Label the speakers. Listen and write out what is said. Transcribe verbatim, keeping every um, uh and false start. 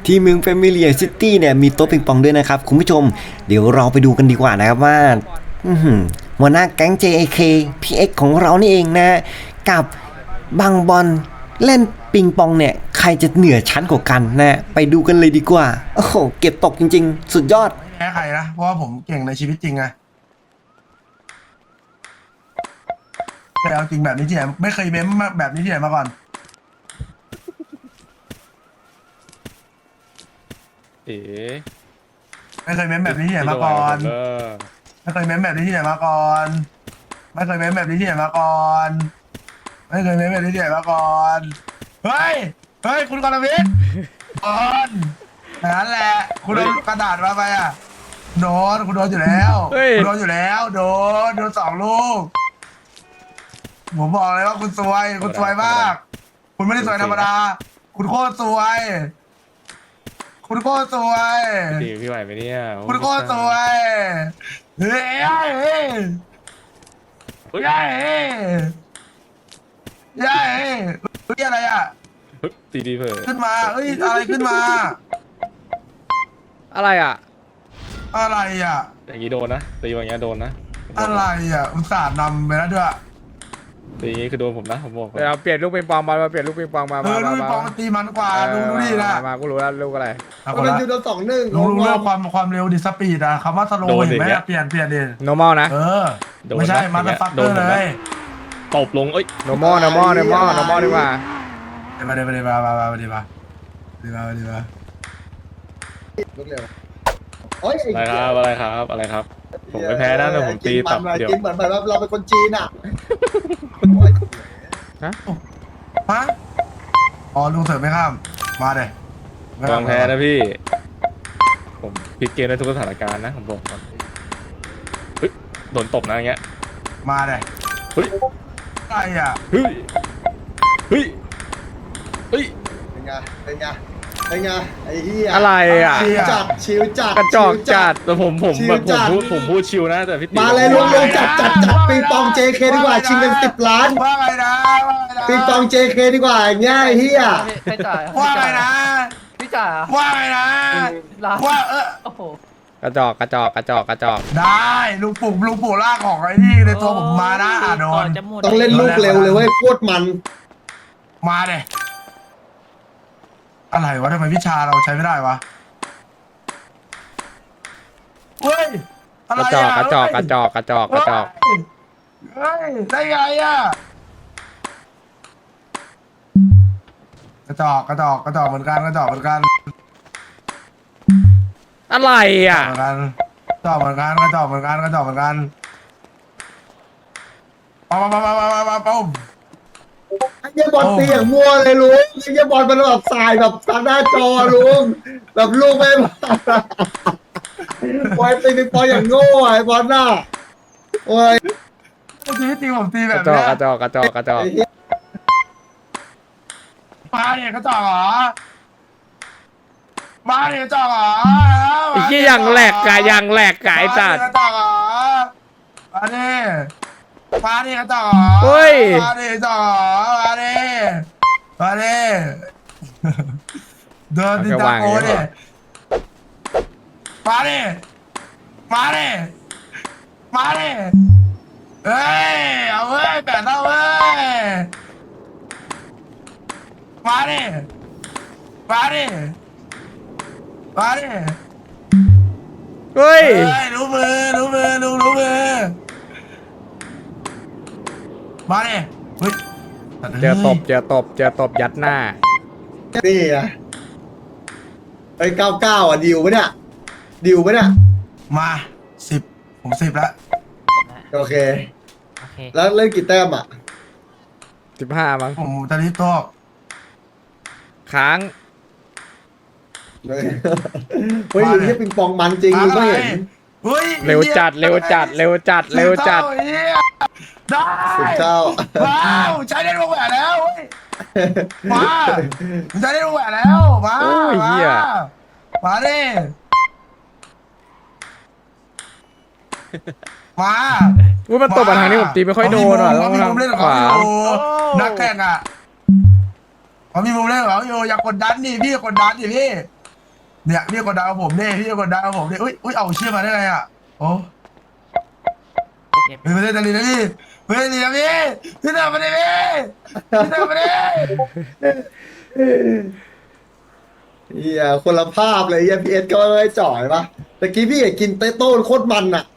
Speaker 1: ที่เมืองแฟมิเลียซิตี้เนี่ยมีโต๊ะปิงปองด้วยนะครับคุณผู้ชมเดี๋ยวเราไปดูกันดีกว่านะครับว่าอื้อหือหัวหน้าแก๊ง เจ เอ เค พี เอ็กซ์ ของเรานี่เองนะกับบางบอลเล่นปิงปองเนี่ยใครจะเหนือชั้นกว่ากันนะไปดูกันเลยดีกว่าโอ้โหเก็บตกจริงๆสุดยอด
Speaker 2: แพ้ใครนะเพราะว่าผมเก่งในชีวิตจริงไงแต่เอาจริงแบบนี้ที่ไหนไม่เคยเม้มแบบนี้ที่ไหนมาก่อน
Speaker 3: เอ๋
Speaker 2: ไม่เคยเม้มแบบนี้ที่ไหนมาก่อนไม่เคยเม้มแบบนี้ที่ไหนมาก่อนไม่เคยเม้มแบบนี้ที่ไหนมาก่อนไม่เคยเม้มแบบนี้ที่ไหนมาก่อนเฮ้ยเฮ้ยคุณกรวิทย์ก่อนนั่นแหละคุณเอากระดาษมาไปอ่ะโดนคุณโดนอยู่แล้วคุณโดนอยู่แล้วโดนโดนสองลูกผมบอกเลยว่าคุณซวยคุณซวยมาก คุณไม่ได้ซวยธรรมดาคุณโคตรซวยคุณโคตรซวย
Speaker 3: ดีพี่ไหวไหมเนี่ย
Speaker 2: คุณโคตรซวยเฮ้ยเฮ้ยเฮ้ยเฮ้ยเฮ้ยเฮ้ยเฮ้ยอะไรอ่ะ
Speaker 3: ตีดีเผลอ
Speaker 2: ขึ้นมาเฮ้ยอะไรขึ้นมา
Speaker 4: อะไรอ่ะ
Speaker 2: อะไรอ่ะ
Speaker 3: อย่างนี้โดนนะตีอย่างเงี้ยโดนนะ
Speaker 2: อะไรอ่ะอุตส่าห์นำไปแล้วด้วย
Speaker 3: ตีอย่างงี้คือโดนผมนะผมบอก
Speaker 4: เดี๋ยวเราเปลี่ยนลูกปิงปองมามาเปลี่ยนลูกปิงปองมา
Speaker 2: เอ
Speaker 4: มา
Speaker 2: อ
Speaker 4: มา
Speaker 2: ดู
Speaker 4: มา
Speaker 2: ปองมันตีมันกว่าดูดูดินะ
Speaker 4: มากูรู้แล้วลูกอะไร
Speaker 2: ก็เป็นจุดสองหนึ่งรู้รู้เรื่องความความเร็วดิสปีดอะคำว่าสโลว์เห็นไหมเปลี่ยนเปลี่ยนดิ
Speaker 4: normal นะ
Speaker 2: เออไม่ใช่มาสฟักเกอร์เลย
Speaker 3: ตบลงเอ้ย
Speaker 4: normal normal normal normal ดีกว่า
Speaker 2: เดี๋ยวมาเดี๋ยวมาเดี๋ยวมามามาเดี๋ยวมาเดี๋ยวมาเดี๋ยวมา
Speaker 5: ลุกเร็วโอ้ย
Speaker 3: อะไรครับอะไรครับอะไรครับ ผมไม่แพ้นะแต่ผมตีตับเดียว
Speaker 5: กินเหมือนแบบเราเป็นคนจีนอ่ะ
Speaker 2: ฮะอ๋อลุงเสริมไม่ข้ามมาเลย
Speaker 3: กองแพ้นะพี่ ผมพลิกเกมได้ทุกสถานการณ์นะผมบอกก่อนเฮ้ยโดนตบนะอย่างเงี้ย
Speaker 2: มาเลย
Speaker 3: เฮ้ย
Speaker 2: อะไรอ่ะ
Speaker 3: เฮ้ยเฮ้ยเฮ้ย
Speaker 5: เป็นไงเป็นไงเป็นไงไอ้เหี้ย
Speaker 4: อะไรอ่ะ
Speaker 5: ชิวจัดชิวจัด
Speaker 4: กระจอกจัด
Speaker 3: แต่ผมผม
Speaker 5: ชิว
Speaker 3: แบบผ
Speaker 5: จั
Speaker 3: ม
Speaker 5: ด
Speaker 3: พูดผมพูดชิวนะแต่พี่ตี
Speaker 5: มาเลยรวมรวมจัดจัดจัดปิงปอง เจ เค ดีกว่าชิงกันสิบล้าน
Speaker 2: ว่าไงนะว่าไงนะ
Speaker 5: ปิงปอง เจ เค ดีกว่าอย่างเงี้ยไอ้เหี้ย
Speaker 6: ไม่จ่าย
Speaker 2: ว่าไงนะ
Speaker 6: พี่จ่ายอ่ะ
Speaker 2: ว่าไงนะ
Speaker 6: ร้าน
Speaker 2: ว่าเออ
Speaker 6: โอ้โห
Speaker 4: กระจอกกระจอกกระจอกกระจอก
Speaker 2: ได้ลุงปู่ลุงปู่ลากของไอ้นี่ในตัวผมมานะอ่ะโดน
Speaker 5: ต้องเล่นลูกเร็วเลยเว้ยโคตรมัน
Speaker 2: มาเลยอะไรวะทำไมวิชาเราใช้ไม่ได้วะเฮ้ยอะไร
Speaker 4: กระจอกกระจอกกระจอกกระจอกกระจอก
Speaker 2: เฮ้ยได้ไงอ่ะกระจอกกระจอกกระจอกเหมือนกันกระจอกเหมือนกัน
Speaker 4: อะไรอ่ะ
Speaker 2: เหมือนกันกระจอกเหมือนกันกระจอกเหมือนกันกระจอกเหมือนกันปั๊มปั๊มปั๊มปั๊มปั๊มปั๊ม
Speaker 5: ไอ้เหี้ยบอลตีอย่างมั่วเลยลุงไอ้เหี้ยบอลมันแบบสายแบบทางหน้าจอลุงแบบลูกไม่บอลตีปิงปองอย่างโง่ไอ้บอลน่ะโอ้ย
Speaker 2: ชีวิตจริงผมตีแบ
Speaker 4: ก
Speaker 2: บ
Speaker 4: ระจอก
Speaker 2: เนี้ย
Speaker 4: กระจอกกระจอกกระจอก
Speaker 5: ไอ้เหี้ย
Speaker 2: มาเนี่ยกระจอกเหรอมาเนี่ยกระจอกเหรอ
Speaker 4: ไอ้ที่ยังแหลกกะยังแหลกกะไอ้สัตว์
Speaker 2: กระจอกเหรอมาเนี่ยมาเนี่ยกระจอกเหรอ
Speaker 4: เฮ้ย
Speaker 2: มาเนี่ยกระจอกเหรอมาเนี่ยมาเนี่ยเดินดินตาโกเนี่ยมาเนี่ยมาเนี่ยมาเนี่ยเฮ้ยเอาเว้ยแปดเอาเว้ยมาเนี่ยมาเนี่ยมาเนี่ย
Speaker 4: เฮ้ย
Speaker 2: เฮ้ยรู้มือรู้มือรู้รู้มือมาเนี่ยเฮ้ย
Speaker 4: เจอตบเจอตบเจอตบยัดหน้า
Speaker 5: นี่อะไอ้เก้าเก้าอ่ะดิวปะเนี่ยดิวปะเนี่ย
Speaker 2: มาสิบผมสิบแล้ว
Speaker 5: โอเค
Speaker 6: โอเค
Speaker 5: แล้วเล่นกี่แต้มอ่ะ
Speaker 4: สิบห้ามั้ง
Speaker 2: ผมตอนนี้ตัว
Speaker 4: ค้าง
Speaker 5: เฮ้ยเฮ้ยนี่ปิงปองมันจริงมึงก็เห็น
Speaker 2: เฮ้ย
Speaker 4: เร็วจัดเร็วจัดเร็วจัดเร็วจัด
Speaker 2: ได้
Speaker 5: สิบเก้า
Speaker 2: ว้าวใช้ได้วงแหวนแล้วเว้ยมาใช้ได้วงแหวนแล้วมา
Speaker 4: โอ้ยเหี้ย
Speaker 2: มาดิมา
Speaker 4: อุ้ยมันตบมาทางนี้ผมตีไม่ค่อยโดนอ่ะ
Speaker 2: เขา
Speaker 4: ต้อง
Speaker 2: มี
Speaker 4: ทา
Speaker 2: มุ
Speaker 4: ง
Speaker 2: มเล่นของ
Speaker 4: ข
Speaker 2: เขา
Speaker 4: วา
Speaker 2: อยู่นักแข่งอ่ะเขามีมุมเล่นของเขาอยู่อย่ากดดันดิพี่กดดันดิพี่เนี่ยพี่กดดาวผมเนี่ยพี่กดดาวผมเนี่ยอุ้ยอุ้ยเอาเชื่อมาได้ไงอ่ะโอ้เฮ้ยไม่ได้ตะลีนะพี่ไม่ได้ตะลีนะพี่พี่ทำมาได้พี่พี่ทำมาได้
Speaker 5: เฮียคนละภาพเลยเฮียพีเอสก็ไม่จ่อยปะตะกี้พี่เห็นกินเต้โต้โคตรมันอ่ะ